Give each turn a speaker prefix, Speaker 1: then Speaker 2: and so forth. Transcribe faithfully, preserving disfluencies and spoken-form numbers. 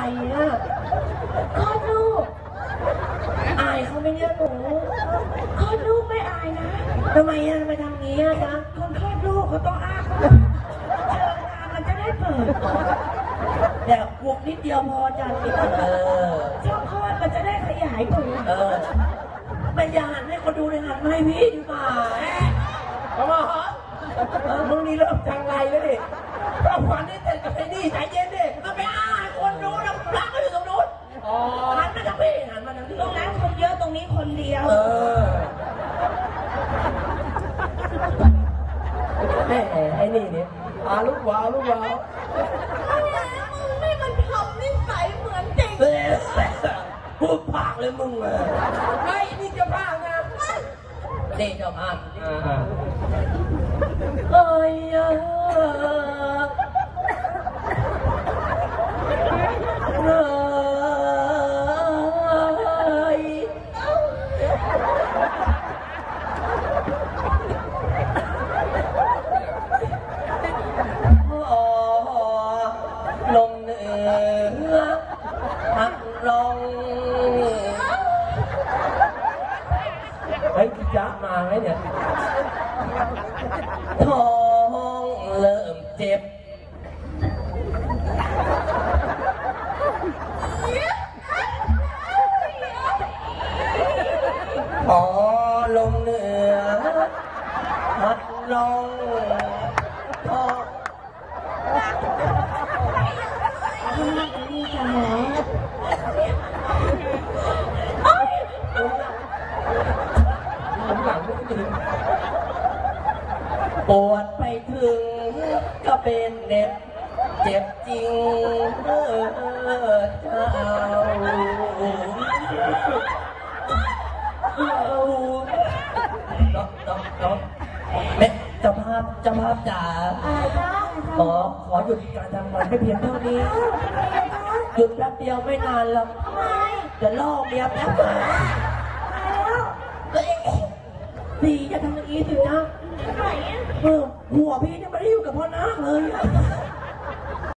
Speaker 1: อ่ะคลอดลูกอายเขาไม่เนี่ยหนูคลอดลูกไม่อายนะทำไมอ่ะทำไมทำงี้อ่ะจ๊ะคนคลอดลูกเขาต้องอ้าเชิญงานมันจะได้เปิดแต่บวกนิดเดียวพอจ้ะเออช่องคลอดมันจะได้ขยายตัวเออไม่อยากหันให้คนดูเลยหันมาให้พี่ดีกว่าเอามาเหรอมึงนี่เริ่มจังไรแล้วดิเราฝันนี่เสร็จกับไอ้นี่ใจเย็นดิมันไปอ้าคนดูนะพระก็อยู่ตรงนู้นหันมาทางพี่หันมาทางพี่ตรงนั้นคนเยอะตรงนี้คนเดียวเออแม่ไอ้นี่เนี่ยอาลูกวาวลูกวาวมึงนี่มันทำนิสัยเหมือนจริงพูดปากเลยมึงเลยไอ้นี่เจ้าภาพนะนี่เจ้าภาพเอ้ยเอ้ยโอ้ลมเหนือพัดลงเฮ้ยพี่จ๊ะมาไหมเนี่ยท้องเริ่มเจ็บพอลมเหนือพัดลงพอนี่จะหมอปวดไปถึงก็เป็นเน็บเจ็บจริงเออเจ้าน้องน้องน้องแม่เจ้าภาพเจ้าภาพจ๋าขอขอหยุดการทำงานให้เพียงเท่านี้หยุดแป๊บเดียวไม่นานหรอกจะลอกเดียวแป๊บเดียวพี่จะทำอย่างนี้สิจ๊ะเออหัวพี่เนี่ยไม่ได้อยู่กับพ่อนาคเลย